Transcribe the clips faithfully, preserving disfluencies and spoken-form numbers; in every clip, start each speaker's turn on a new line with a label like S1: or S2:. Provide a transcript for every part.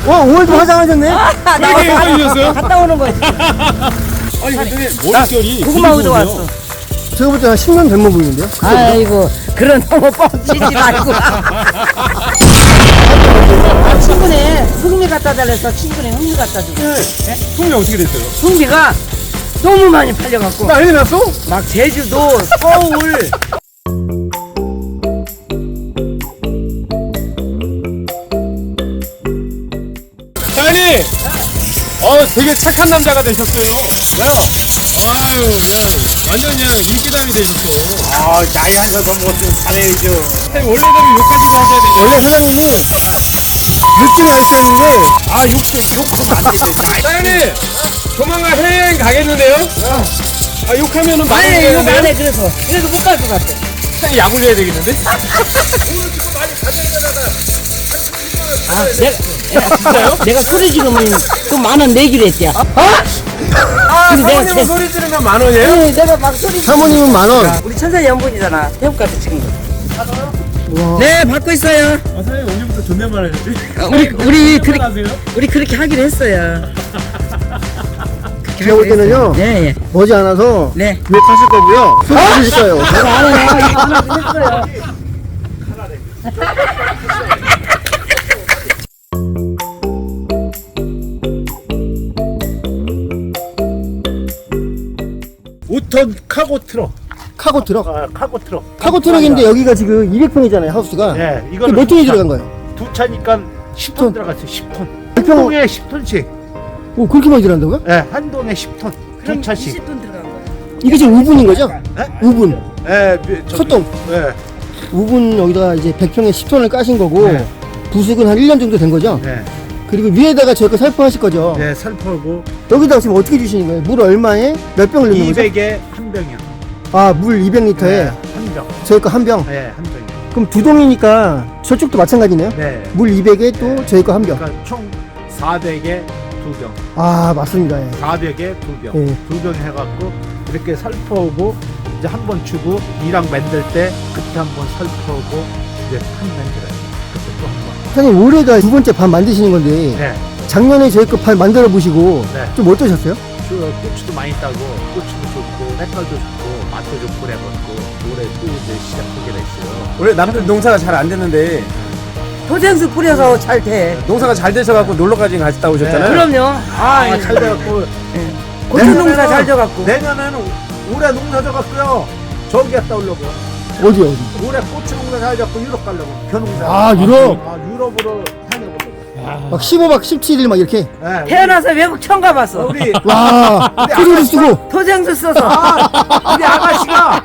S1: 와, 오늘도 화장하셨네?
S2: 아, 나
S3: 왜 이렇게 예뻐지셨어요?
S2: 갔다 오는 거지.
S3: 아니 근데 머릿결이
S2: 고구마
S3: 되게
S2: 우도
S3: 좋으세요.
S2: 왔어.
S1: 제가 볼 때 한 십 년 된 거 보이는데요?
S2: 아이고, 그런 너무 뻥치지 말고. 아, 친구네 흥미 갖다 달래서 친구네 흥미 갖다 주고.
S3: 풍미 어떻게 됐어요?
S2: 흥미가 너무 많이 팔려갖고.
S3: 난리 났어?
S2: 막 제주도, 서울.
S3: 사장님! 어 되게 착한 남자가 되셨어요. 야! 아유 그냥 완전 그냥 인기남이 되셨어.
S4: 아, 나이 한 살 더 먹었으면 잘해야죠.
S3: 사장님 원래대로 욕하지 마셔야 되죠.
S1: 원래 사장님이 느낌이 알겠는데,
S4: 아, 욕 좀, 욕하면 안 되죠.
S3: 사장님! 조만간 해외여행 가겠는데요? 아 욕하면은 많이
S2: 아니, 이거
S3: 되는데요?
S2: 안해, 그래서. 그래도 못 갈 것 같아.
S3: 사장님 약 올려야 되겠는데?
S2: 아, 내가, 내가, 내가 소리 지르면 그 만 원 내기로 했대요.
S3: 아
S2: 근데 내가
S3: 사모님은
S2: 제-
S3: 소리 지르면 만 원이에요?
S2: 네, 내가 막 소리 지르
S1: 사모님은 만 원.
S2: 우리 천사 연분이잖아. 태국 가서 찍은 거. 네, 받고 있어요.
S3: 아 사장님 언제부터 존댓말 하셨지?
S2: 우리, 우리, 그렇게,
S3: 하세요?
S2: 우리 그렇게 하기로 했어요.
S1: 제가 볼 때는요,
S2: 네, 예.
S1: 머지 않아서
S2: 네.
S1: 욕하실 거고요. 소리 지르실 거예요.
S2: 내가 안 해요. 이거 하나 했어요.
S4: 오 톤 카고 트럭.
S1: 카고 트럭.
S4: 아, 카고 트럭.
S1: 카고 트럭인데 여기가 지금 이백 평이잖아요, 하우스가.
S4: 네,
S1: 이게
S4: 이거는
S1: 몇 톤이
S4: 두 차-
S1: 들어간 거예요?
S4: 두 차니까 십 톤
S1: 톤.
S4: 들어갔어요. 십 톤.
S1: 백
S4: 한
S1: 평,
S4: 동에 십 톤씩.
S1: 오, 그렇게 많이 들어간다고요?
S4: 예, 네, 한 동에 십 톤. 두 차씩.
S2: 이십 돈 들어간 거야.
S1: 이게 지금 오 분인 거죠?
S4: 네?
S1: 오 분.
S4: 예, 네,
S1: 첫동.
S4: 예,
S1: 오 분 여기다가 이제 백 평에 십 톤을 까신 거고,
S4: 네.
S1: 부숙은 한 일 년 정도 된 거죠?
S4: 네,
S1: 그리고 위에다가 저희 거 살포하실 거죠?
S4: 네, 살포하고
S1: 여기다가 지금 어떻게 주시는 거예요? 물 얼마에 몇 병을 넣는 거죠?
S4: 이백에 한 병이요.
S1: 아, 물 이백 리터에
S4: 네, 한 병.
S1: 저희 거 한 병.
S4: 네, 한 병이요.
S1: 그럼 두 동이니까 저쪽도 마찬가지네요?
S4: 네.
S1: 물 이백에 또 저희 거 한 병.
S4: 그러니까 총 사백에 두 병.
S1: 아, 맞습니다. 예.
S4: 사백에 두 병.
S1: 예.
S4: 두 병 해갖고 이렇게 살포하고 이제 한 번 주고 이랑 만들 때 그때 한 번 살포하고 이제 한 만들어요. 그때 또 한 번.
S1: 사장님, 올해가 두 번째 밥 만드시는 건데,
S4: 네.
S1: 작년에 저희 거 밥 만들어 보시고,
S4: 네.
S1: 좀 어떠셨어요?
S4: 저 고추도 많이 따고 고추도 좋고 색깔도 좋고 맛도 좋고 그래갖고 올해 또 이제 시작하게 됐어요.
S5: 원래 남들 농사가 잘 안 됐는데
S2: 도생수 뿌려서 잘 돼.
S5: 농사가 잘 되셔갖고 놀러까지 갔다 오셨잖아요.
S2: 그럼요. 아,
S4: 아, 잘 돼갖고
S2: 고추 농사
S4: 내년에는-
S2: 잘 져갖고.
S4: 내년에는 올해 농사 져갖고요 저기 갔다 오려고.
S1: 어디, 어디?
S4: 올해 고추 농사 잘 잡고 유럽 가려고 벼농사.
S1: 아, 유럽?
S4: 아, 유럽으로 다녀보려고.
S1: 막 십오 박 십칠 일 막 이렇게.
S4: 네,
S2: 태어나서 외국 처음 가봤어.
S4: 우리
S1: 와, 표정도 쓰고.
S2: 도생수 써서.
S4: 아, 우리 아가씨가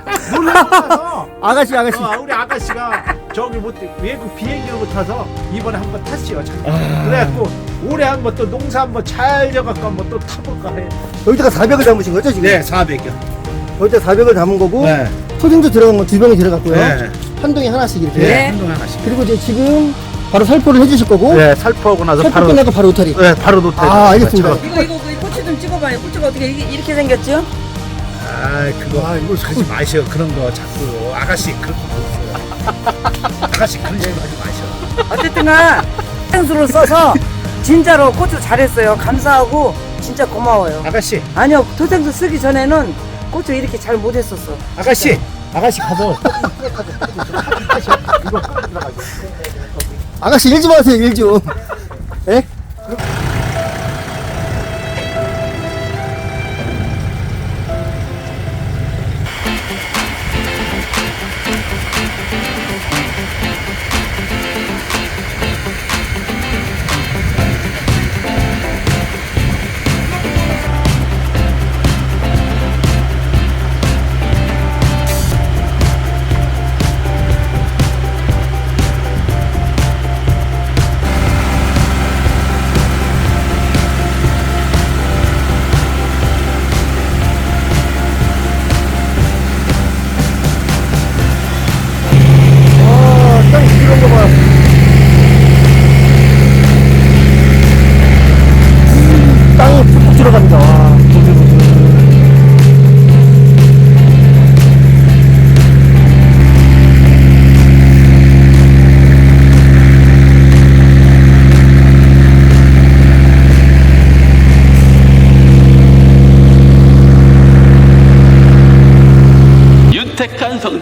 S4: 놀라서
S1: 아가씨, 아가씨.
S4: 어, 우리 아가씨가 저기 못 외국 비행기를 못 타서 이번에 한번 탔어요. 잠깐. 그래갖고 올해 한번 또 농사 한번 잘 져갖고 한번 또 타볼까 해.
S1: 여기다가 사백을 담으신 거죠, 지금?
S4: 네, 사백이요.
S1: 여기다 사백을 담은 거고,
S4: 네.
S1: 토생수 들어간 건 두 병이 들어갔고요.
S4: 네.
S1: 한 동에 하나씩 이렇게.
S2: 네.
S4: 한동 하나씩.
S1: 그리고 이제 지금 바로 살포를 해주실 거고,
S4: 네, 살포하고 나서
S1: 살포
S4: 바로
S1: 끝나고 바로 오타리.
S4: 네, 바로 놓다.
S1: 아, 알겠습니다.
S2: 이거, 이거, 이거 고추 좀 찍어봐요. 고추가 어떻게 이렇게, 이렇게 생겼죠?
S4: 아, 그거 아, 이거 하지 마셔. 그런 거 자꾸 아가씨 그런 거 없어요. 아가씨 그런 거 하지 마셔.
S2: 어쨌든간 도생수를 써서 진짜로 고추 잘했어요. 감사하고 진짜 고마워요.
S4: 아가씨,
S2: 아니요, 도생수 쓰기 전에는 고추 이렇게 잘 못했었어.
S4: 아가씨, 아가씨 가서
S1: 아가씨 일 좀 하세요, 일 좀. 예?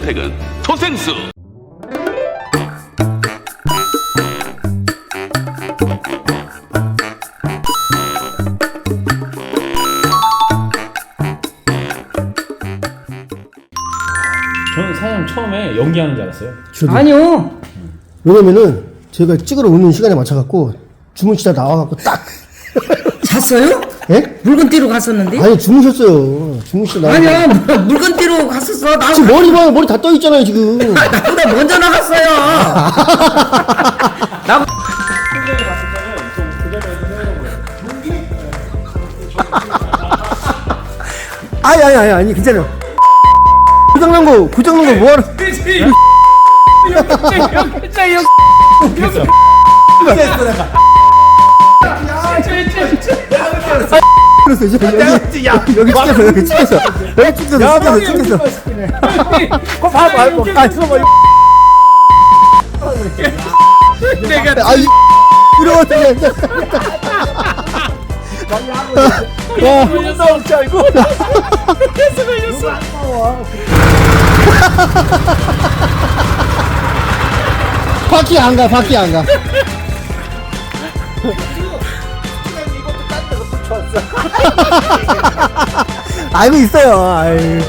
S6: 선택은 토생수.
S7: 저는 사장님 처음에 연기하는 줄 알았어요.
S1: 저도.
S2: 아니요.
S1: 왜냐면은 제가 찍으러 오는 시간에 맞춰갖고 주무시다 나와갖고 딱.
S2: 잤어요?
S1: 예?
S2: 물건 띠로 갔었는데?
S1: 아니 주무셨어요. 주무시다 나와.
S2: 아니야, 물- 물건 띠로 갔었어. 나,
S1: 지금 머리 봐요. 머리 다 떠 있잖아요 지금.
S2: 나보다 먼저 나갔어요. 나
S1: 아니 아니 아니 아니 괜찮아요. 고장난 거 고장난 거 뭐하러? 그랬어 이제 여기
S4: 야,
S1: 여기 찍혔어 여기 찍혔어 여기 찍혔어 찍혔어 찍혔어.
S4: 그거 봐봐. 이거. 아, 들어봐.
S3: 내가
S1: 아이 이러고 와
S4: 나올 줄 알고.
S1: 바퀴 안 가, 바퀴 안 가. 알고 있어요. 아유.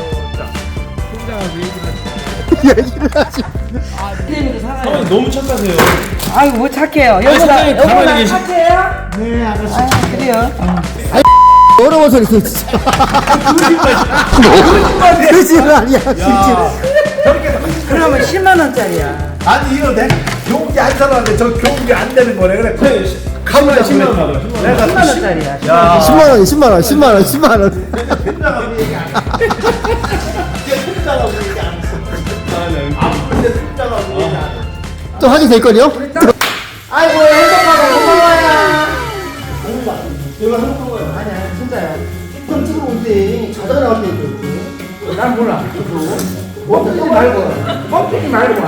S1: 얘기를 하지.
S7: 사장님 너무 착하세요.
S2: 아이고 뭐 착해요. 여보다
S7: 사장님 가만히
S2: 여보다
S7: 계시-
S2: 착해요? 네 아저씨. 아, 그래요?
S1: 어려워서 그랬어, 진짜. 그지는 아니야, 진짜.
S2: 그러면 십만 원짜리야.
S4: 아니 이거 내 교육이 안 살았는데 저 교육이 안 되는 거래. 그래. 가만히 십만 원 받아. 내가
S2: 십만 원짜리야.
S4: 야.
S1: 십만 원, 십만 원, 십만 원, 십만 원.
S4: 된다고 얘기 안 해. 된다고 얘기 안 했어. 아픈데 된다고 얘기 안 해.
S1: 또 하게 될 거요?
S2: 아이고 행복하고 고마워요.
S1: 내가 행복한 거야.
S2: 아니야 진짜야.
S1: 좀 찍으러 올 때 자다가 나올 때 있거든.
S2: 난 몰라. 멈추지 말고. 멈추지 말고.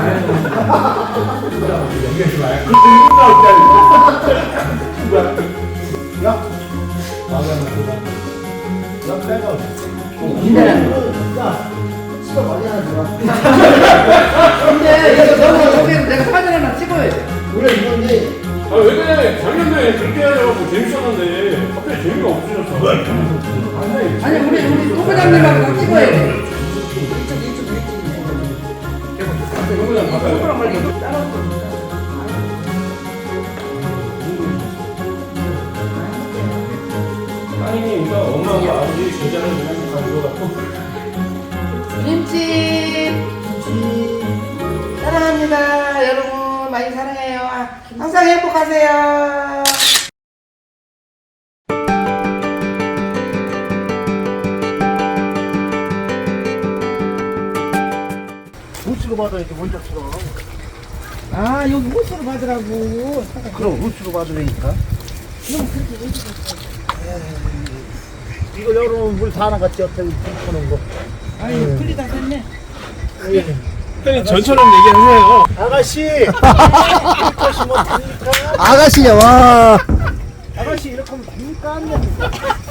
S2: 근데 이거 너무 저기는 내가 사진 하나 찍어야 돼.
S1: 원래 이건데
S7: 아, 왜 그래? 작년에 그렇게 하려고 재밌었는데 갑자기 재미가 없어졌어.
S2: 아니 우리 우리 토부장님하고 다 찍어야 돼.
S7: 그거랑 바꿔요.
S2: 토부랑 말게 따로.
S7: 따님이 그러니까 엄마하고 아버지 제자를 그냥 가지고 갖고.
S2: 김치 사랑합니다. 여러분 많이 사랑해요. 아, 항상 행복하세요.
S4: 우수로 받아야지 원작처럼.
S2: 아 여기 호수로 받으라고.
S4: 그럼 우수로 받으니까. 이거 여러분 물 다 나갔지 옆에 푸는 거.
S2: 아유 풀이 다 됐네.
S7: 형님 전처럼 얘기하세요.
S4: 아가씨 이렇게 하시면 됩니까?
S1: 아가씨야, 와.
S4: 아가씨 이렇게 하면 됩니까? 안 됩니까?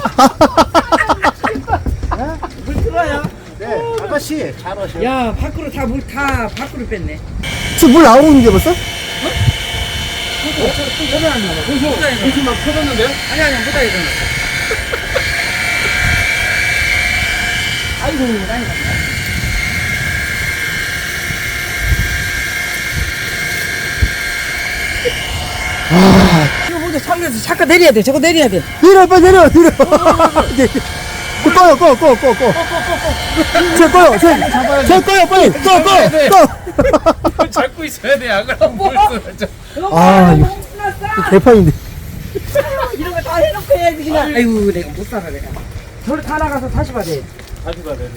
S2: 물 들어요.
S4: 네 아가씨 잘하셔.
S2: 야 밖으로 다 물 다 밖으로 뺐네.
S1: 지금 물 나오는 게 벌써?
S7: 혹시 막 터졌는데요?
S2: 아니 아니 무다에 넣어. 아이고 난리 났다. 이거 먼저 살려서 잠깐 내려야 돼. 저거 내려야 돼.
S1: 내려, 빨리 내려, 내려. 이제 꺼요, 꺼, 꺼, 꺼, 꺼. 제 꺼요, 제, 제 꺼요, 빨리. 꺼, 꺼, 꺼.
S7: 잡고 있어야 돼. 안 그러면 물 쏟아져.
S1: 아, 이거 개판인데.
S2: 이런 거 다 해놓고 해야지 그냥. 아이고 내가 못 살아 내가. 저를 다 나가서 다시 받아야 돼.
S7: 다시 봐야 돼.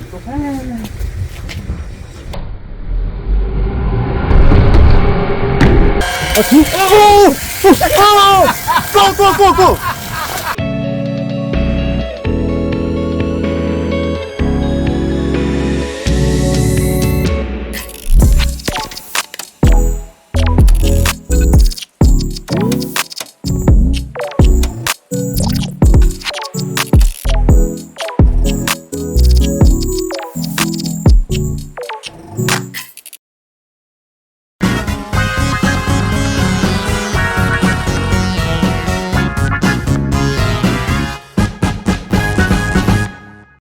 S1: 아, 두, 오! 오! 오! 꺼, 꺼, 꺼, 꺼.